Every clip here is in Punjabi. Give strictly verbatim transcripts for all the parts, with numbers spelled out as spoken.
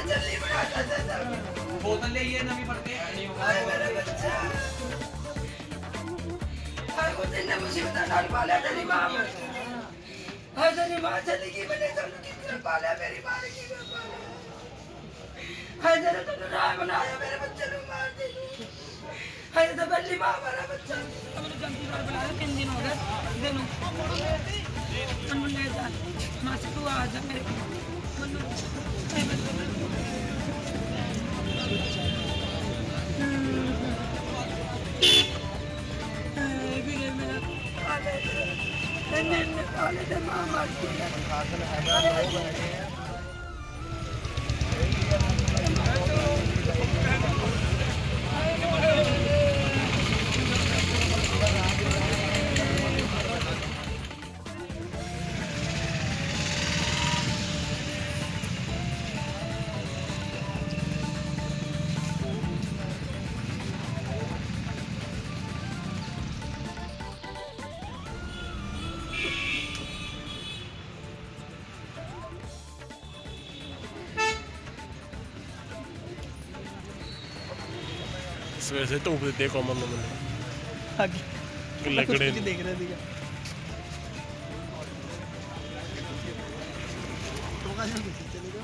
बोतल ले ये नवी पड़ के नहीं होगा मेरा बच्चा हाय को दिन मुसीबत डाल पाला तेरी मां हाय तेरी मां चली गई मैंने तो कितना पाला मेरी मां ने की पाला हाय तेरे तो राय बनाया मेरे बच्चे को मार दी हाय तो बल्ली मां मेरा बच्चा हमने जल्दी कर बुलाया तीन दिन हो गए दिनों हम ले जा मां से तू आ जा मेरे ਸਵੇਰ ਸੇ ਧੂਪ ਦਿੱਤੇ ਕੋਮਨ ਨੂੰ ਮੈਨੂੰ ਅੱਗੇ ਲੱਗੜੇ ਕੁਝ ਦੇਖ ਰਿਹਾ ਸੀਗਾ ਟੋਕਾ ਜਿਹਾ ਕੁਝ ਚਲੇ ਗਿਆ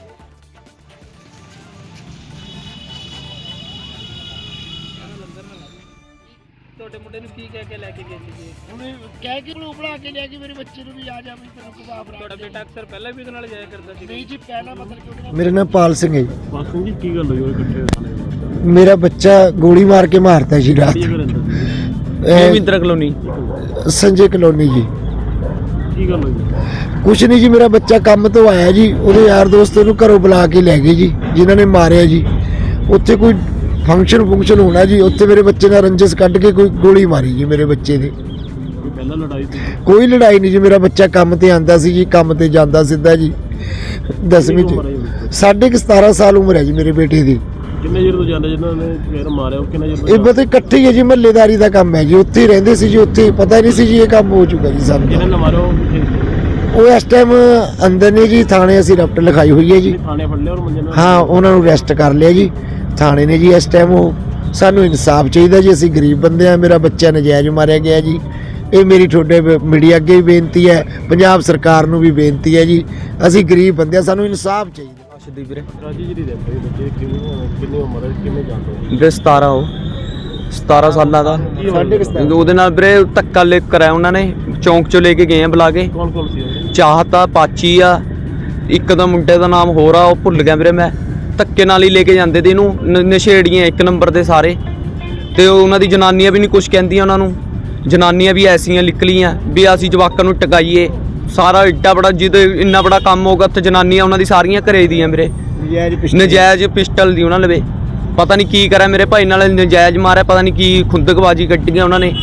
ਲੰਗਰ ਨਾ ਲਾਵੇ ਤੁਹਾਡੇ ਮੁੰਡੇ ਨੂੰ ਕੀ ਕਹਿ ਕੇ ਲੈ ਕੇ ਗਏ ਸੀਗੇ ਉਹਨੇ ਕਹਿ ਕੇ ਨੂੰ ਬਣਾ ਕੇ ਲਿਆ ਕਿ ਮੇਰੇ ਬੱਚੇ ਨੂੰ ਵੀ ਆ ਜਾ ਵੀ ਤੈਨੂੰ ਕਬਾਬ ਤੁਹਾਡਾ ਬੇਟਾ ਅਕਸਰ ਪਹਿਲਾਂ ਵੀ ਉਹਦੇ ਨਾਲ ਜਾਇਆ ਕਰਦਾ ਸੀ ਨਹੀਂ ਜੀ ਪਹਿਲਾਂ ਮਤਲਬ ਕਿ ਉਹਦੇ ਨਾਲ मेरा नाम पाल सिंह है। ਬਾਸੂ ਜੀ ਕੀ ਗੱਲ ਹੋਈ ਉਹ ਇਕੱਠੇ ਖਾਣੇ ਵਾਸਤੇ मेरा बच्चा गोली मार के मारता जी रात ਕੀ ਰਹਿੰਦਾ ए, ਮਹਿੰਦਰਾ ਕਲੋਨੀ संजय कलोनी जी। ਕੀ ਗੱਲ ਹੋਈ कुछ नहीं जी, मेरा बच्चा काम तो आया जी, ਉਹਦੇ ਯਾਰ ਦੋਸਤ ਨੂੰ ਘਰੋਂ ਬੁਲਾ ਕੇ ਲੈ ਗਏ ਜੀ ਜਿਨ੍ਹਾਂ ਨੇ ਮਾਰਿਆ ਜੀ। ਉੱਥੇ ਕੋਈ ਫੰਕਸ਼ਨ ਫੰਕਸ਼ਨ ਹੋਣਾ ਜੀ, ਉੱਥੇ ਮੇਰੇ ਬੱਚੇ ਨਾਲ ਰੰਜਿਸ਼ ਕੱਢ ਕੇ ਕੋਈ ਗੋਲੀ ਮਾਰੀ ਜੀ ਮੇਰੇ ਬੱਚੇ ਦੇ। ਕੋਈ ਪਹਿਲਾਂ ਲੜਾਈ ਸੀ ਕੋਈ ਲੜਾਈ ਨਹੀਂ ਜੀ, ਮੇਰਾ ਬੱਚਾ ਕੰਮ ਤੇ ਆਂਦਾ ਸੀ ਜੀ, ਕੰਮ ਤੇ ਜਾਂਦਾ ਸਿੱਧਾ ਜੀ। ਦਸਵੀਂ ਚ ਸਾਢੇ ਕੁ ਸਤਾਰਾਂ ਸਾਲ ਉਮਰ ਹੈ ਜੀ ਮੇਰੇ ਬੇਟੇ ਦੀ। ਕਿੰਨੇ ਚਿਰ ਤੋਂ ਜਾਂਦੇ ਜਿਨ੍ਹਾਂ ਨੇ ਫੇਰ ਮਾਰਿਆ ਉਹ ਕਿੰਨੇ ਚਿਰ ਇਹ ਤੋਂ ਪਤਾ ਇਕੱਠੇ ਹੀ ਹੈ ਜੀ, ਮਹੱਲੇਦਾਰੀ ਦਾ ਕੰਮ ਹੈ ਜੀ, ਉੱਥੇ ਹੀ ਰਹਿੰਦੇ ਸੀ ਜੀ। ਉੱਥੇ ਪਤਾ ਹੀ ਨਹੀਂ ਸੀ ਜੀ ਇਹ ਕੰਮ ਹੋ ਚੁੱਕਾ ਜੀ ਸਾਨੂੰ। ਜਿਹਨੇ ਨੇ ਮਾਰਿਆ ਉਹ ਕਿੱਥੇ ਸੀ? ਉਹ ਇਸ ਟਾਈਮ ਅੰਦਰ ਨੇ ਜੀ, ਥਾਣੇ ਅਸੀਂ ਰਿਪੋਰਟ ਲਿਖਾਈ ਹੋਈ ਹੈ ਜੀ। ਥਾਣੇ ਫੜ ਲਿਆ ਔਰ ਮੁੰਡੇ ਨੂੰ ਹਾਂ, ਉਹਨਾਂ ਨੂੰ ਅਰੈਸਟ ਕਰ ਲਿਆ ਜੀ ਥਾਣੇ ਨੇ ਜੀ। ਇਸ ਟਾਈਮ ਉਹ ਸਾਨੂੰ ਇਨਸਾਫ ਚਾਹੀਦਾ ਜੀ, ਅਸੀਂ ਗਰੀਬ ਬੰਦੇ ਆ, ਮੇਰਾ ਬੱਚਾ ਨਜਾਇਜ਼ ਮਾਰਿਆ ਗਿਆ ਜੀ। ਇਹ ਮੇਰੀ ਤੁਹਾਡੇ ਮੀਡੀਆ ਅੱਗੇ ਵੀ ਬੇਨਤੀ ਹੈ, ਪੰਜਾਬ ਸਰਕਾਰ ਨੂੰ ਵੀ ਬੇਨਤੀ ਹੈ ਜੀ, ਅਸੀਂ ਗਰੀਬ ਬੰਦੇ ਆ, ਸਾਨੂੰ ਇਨਸਾਫ ਚਾਹੀਦਾ। ਅਸ਼ਦੀ ਵੀਰੇ ਰਾਜੀ ਜੀ ਦੀ ਰਹਿੰਦੇ ਬੱਚੇ ਕਿੰਨੀ ਕਿੰਨੀ ਉਮਰ ਹੈ ਕਿੰਨੇ ਜਾਂਦੇ ਵੀਰੇ ਸਤਾਰਾਂ ਉਹ ਸਤਾਰਾਂ ਸਾਲਾਂ ਦਾ ਸਾਢੇ ਕੁ ਸਤਾਰਾਂ। ਉਹਦੇ ਨਾਲ ਵੀਰੇ ਧੱਕਾ ਲੈ ਕਰਾਇਆ ਉਹਨਾਂ ਨੇ, ਚੌਂਕ ਚੋਂ ਲੈ ਕੇ ਗਏ ਆ ਬੁਲਾ ਕੇ। ਕੌਣ ਕੌਣ ਸੀ ਉਹ? ਚਾਹਤਾ ਪਾਚੀ ਆ, ਇੱਕ ਦਾ ਮੁੰਡੇ ਦਾ ਨਾਮ ਹੋਰ ਆ, ਉਹ ਭੁੱਲ ਗਿਆ ਵੀਰੇ ਮੈਂ। ਧੱਕੇ ਨਾਲ ਹੀ ਲੈ ਕੇ ਜਾਂਦੇ ਤੇ ਇਹਨੂੰ, ਨ- ਨਸ਼ੇੜੀਆਂ ਇੱਕ ਨੰਬਰ ਦੇ ਸਾਰੇ। ਤੇ ਉਹਨਾਂ ਦੀ ਜਨਾਨੀਆਂ ਵੀ ਨਹੀਂ ਕੁਝ ਕਹਿੰਦੀਆਂ ਉਹਨਾਂ ਨੂੰ, ਜਨਾਨੀਆਂ ਵੀ ਐਸੀਆਂ ਨਿਕਲੀਆਂ ਵੀ ਅਸੀਂ ਜਵਾਕਾਂ ਨੂੰ ਟਕਾਈਏ। ਸਾਰਾ ਏਡਾ ਬੜਾ ਜਿਹਦੇ ਇੰਨਾ ਬੜਾ ਕੰਮ ਹੋਗਾ ਉੱਥੇ ਜਨਾਨੀਆਂ ਉਹਨਾਂ ਦੀ ਸਾਰੀਆਂ ਘਰੇ ਦੀਆਂ ਵੀਰੇ। ਨਜਾਇਜ਼ ਪਿਸਟਲ ਦੀ ਉਹਨਾਂ ਲਵੇ, ਪਤਾ ਨਹੀਂ ਕੀ ਕਰਿਆ ਮੇਰੇ ਭਾਈ ਨਾਲ, ਨਜਾਇਜ਼ ਮਾਰਿਆ, ਪਤਾ ਨਹੀਂ ਕੀ ਖੁੰਦਕਬਾਜੀ ਕੱਢੀਆਂ ਉਹਨਾਂ ਨੇ।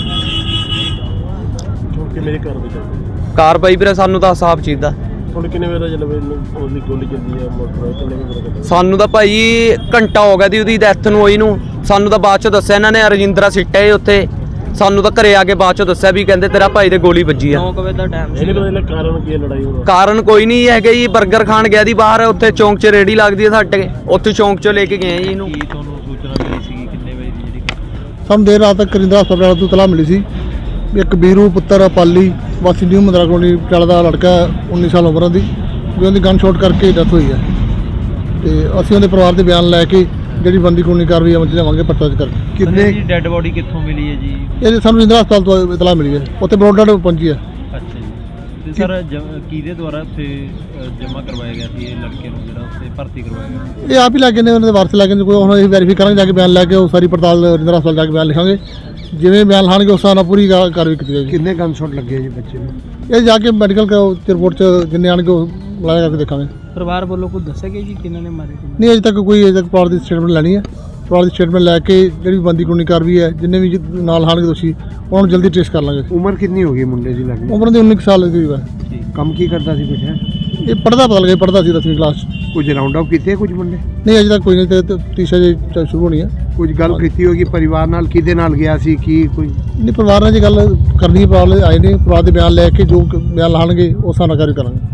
ਹੁਣ ਕਿੰਨੇ ਘਰ ਦੇ ਚੱਲਦੇ ਕਾਰਵਾਈ ਵੀਰੇ ਸਾਨੂੰ ਤਾਂ ਸਾਫ ਚਾਹੀਦਾ। ਹੁਣ ਕਿੰਨੇ ਵੇਲੇ ਜਲਵੇ ਉਹਦੀ ਗੋਲੀ ਚੱਲਦੀ ਹੈ ਮੋਟਰ ਕਿੰਨੇ ਵੇਲੇ ਚੱਲਦੀ ਸਾਨੂੰ ਤਾਂ ਭਾਈ ਘੰਟਾ ਹੋ ਗਿਆ ਦੀ ਉਹਦੀ ਡੈਥ ਨੂੰ ਹੋਈ ਨੂੰ। ਸਾਨੂੰ ਤਾਂ ਬਾਅਦ ਚ ਦੱਸਿਆ ਇਹਨਾਂ ਨੇ, ਰਜਿੰਦਰਾ ਸਿੱਟਿਆ ਏ ਉੱਥੇ। ਸਾਨੂੰ ਤਾਂ ਘਰੇ ਆ ਕੇ ਬਾਅਦ ਚ ਦੱਸਿਆ ਵੀ ਕਹਿੰਦੇ ਤੇਰਾ ਭਾਈ ਦੇ ਗੋਲੀ ਵੱਜੀ ਆ। ਇਹਨੇ ਪਤਾ ਨਹੀਂ ਕਾਰਨ ਕੀ ਹੈ ਲੜਾਈ ਹੋਣਾ ਕਾਰਨ ਕੋਈ ਨਹੀਂ ਹੈਗਾ ਜੀ, 버ਗਰ ਖਾਣ ਗਿਆ ਦੀ ਬਾਹਰ, ਉੱਥੇ ਚੌਂਕ 'ਚ ਰੇੜੀ ਲੱਗਦੀ ਹੈ ਸਾਡੇ, ਉੱਥੇ ਚੌਂਕ 'ਚੋਂ ਲੈ ਕੇ ਗਏ ਜੀ ਇਹਨੂੰ। ਤੁਹਾਨੂੰ ਸੂਚਨਾ ਮਿਲੀ ਸੀ ਕਿੰਨੇ ਵਜੇ ਦੀ ਜਿਹੜੀ ਸਾਨੂੰ ਦੇਰ ਰਾਤ ਤੱਕ ਕਰਿੰਦਾ ਹਸਪਤਾਲ ਤੋਂ ਤਲਾਹ ਮਿਲੀ ਸੀ ਵੀ ਇੱਕ ਵੀਰੂ ਪੁੱਤਰ ਪਾਲੀ ਵਾਸੀ ਨਿਊ ਮੰਦਰਾ ਕਲੋਨੀ ਪਟਿਆਲਾ ਦਾ ਲੜਕਾ ਉੱਨੀ ਸਾਲ ਉਮਰ ਦੀ, ਵੀ ਉਹਦੀ ਗਨ ਸ਼ਾਟ ਕਰਕੇ ਡੈਥ ਹੋਈ ਹੈ। ਤੇ ਅਸੀਂ ਉਹਦੇ ਪਰਿਵਾਰ ਦੇ ਬਿਆਨ ਲੈ ਕੇ ਜਿਹੜੀ ਬੰਦੀ ਕਾਨੂੰਨੀ ਕਾਰਵਾਈ ਅਮਲ 'ਚ ਲਿਆਵਾਂਗੇ ਪਰਚਾ ਦਰਜ ਕਰਕੇ। ਕਿੰਨੇ ਡੈੱਡ ਬੋਡੀ ਕਿੱਥੋਂ ਮਿਲੀ ਹੈ ਜੀ? ਇਹ ਸਾਨੂੰ ਇੰਦਰਾ ਹਸਪਤਾਲ ਤੋਂ ਇਤਲਾਹ ਮਿਲੀ ਹੈ, ਉੱਥੇ ਬਰੋਡਰ ਪਹੁੰਚੀ ਹੈ। ਅੱਛਾ ਜੀ। ਤੇ ਸਰ ਕਿਹਦੇ ਦੁਆਰਾ ਉੱਥੇ ਜਮ੍ਹਾਂ ਕਰਵਾਇਆ ਗਿਆ ਸੀ ਇਹ ਲੜਕੇ ਨੂੰ, ਜਿਹੜਾ ਉੱਥੇ ਭਰਤੀ ਕਰਵਾਇਆ ਗਿਆ? ਇਹ ਆਪ ਹੀ ਲੱਗੇ ਨੇ, ਉਹਨਾਂ ਦੇ ਵਾਰਸ ਲੱਗੇ ਨੇ। ਕੋਈ ਹੁਣ ਅਸੀਂ ਵੈਰੀਫਾਈ ਕਰਾਂਗੇ ਜਾ ਕੇ, ਬਿਆਨ ਲੈ ਕੇ ਉਹ ਸਾਰੀ ਪੜਤਾਲ ਇੰਦਰਾ ਹਸਪਤਾਲ ਜਾ ਕੇ ਬਿਆਨ ਲਿਖਾਂਗੇ। ਜਿਵੇਂ ਬਿਆਨ ਲਾਣਗੇ ਉਸ ਹਿਸਾਬ ਨਾਲ ਪੂਰੀ ਕਾ- ਕਾਰਵਾਈ ਕੀਤੀ ਜਾਏਗੀ। ਕਿੰਨੇ ਗਨ ਸ਼ਾਟ ਲੱਗੇ ਜੀ ਬੱਚੇ ਨੂੰ? ਇਹ ਜਾ ਕੇ ਮੈਡੀਕਲ ਰਿਪੋਰਟ 'ਚ ਜਿੰਨੇ ਆਣਗੇ ਉਹ ਲਾਇਆ ਕਰਕੇ ਦੇਖਾਂਗੇ। ਪਰਿਵਾਰ ਵੱਲੋਂ ਕੁਝ ਦੱਸਿਆ ਗਿਆ ਜੀ ਕਿਹਨਾਂ ਨੇ ਮਾਰੇ? ਨਹੀਂ ਅਜੇ ਤੱਕ ਕੋਈ ਅਜੇ ਤੱਕ ਪਰਿਵਾਰ ਦੀ ਸਟੇਟਮੈਂਟ ਲੈਣੀ ਹੈ। ਪਰਿਵਾਰ ਦੀ ਸਟੇਟਮੈਂਟ ਲੈ ਕੇ ਜਿਹੜੀ ਬੰਦੀ ਕਾਨੂੰਨੀ ਕਾਰਵਾਈ ਹੈ, ਜਿੰਨੇ ਵੀ ਜ- ਨਾਲ ਹਾਣਗੇ ਦੋਸ਼ੀ ਉਹਨਾਂ ਨੂੰ ਜਲਦੀ ਟ੍ਰੇਸ ਕਰ ਲਾਂਗੇ। ਉਮਰ ਕਿੰਨੀ ਹੋ ਗਈ ਮੁੰਡੇ ਦੀ ਲੱਗਦੀ? ਉਮਰ ਦੇ ਉੱਨੀ ਕੁ ਸਾਲ ਦੀ ਹੈ। ਕੰਮ ਕੀ ਕਰਦਾ ਸੀ ਕੁਝ ਹੈ? ਇਹ ਪੜ੍ਹਦਾ ਪਤਾ ਲੱਗਿਆ ਪੜ੍ਹਦਾ ਸੀ ਦਸਵੀਂ ਕਲਾਸ 'ਚ। ਕੁਝ ਰਾਉਂਡ ਅਪ ਕੀਤੇ ਕੁਝ ਮੁੰਡੇ? ਨਹੀਂ ਅਜੇ ਤੱਕ ਕੋਈ ਨਹੀਂ, ਤੇ ਤੀਸਰਾ ਜੇ ਚ- ਸ਼ੁਰੂ ਹੋਣੀ ਹੈ। ਕੁਝ ਗੱਲ ਕੀਤੀ ਹੋਗੀ ਪਰਿਵਾਰ ਨਾਲ, ਕਿਹਦੇ ਨਾਲ ਗਿਆ ਸੀ ਕੀ ਕੋਈ? ਨਹੀਂ ਪਰਿਵਾਰ ਨਾਲ ਜੇ ਗੱਲ ਕਰਨੀ ਹੈ, ਪਰਿਵਾਰ ਵਾਲੇ ਆਏ ਨੇ, ਪਰਿਵਾਰ ਦੇ ਬਿਆਨ ਲੈ ਕੇ ਜੋ ਕ- ਬਿਆਨ ਲਾਣਗੇ ਉਸ ਹਿਸਾਬ ਨਾਲ ਕਾਰਵਾਈ ਕਰਾਂਗੇ।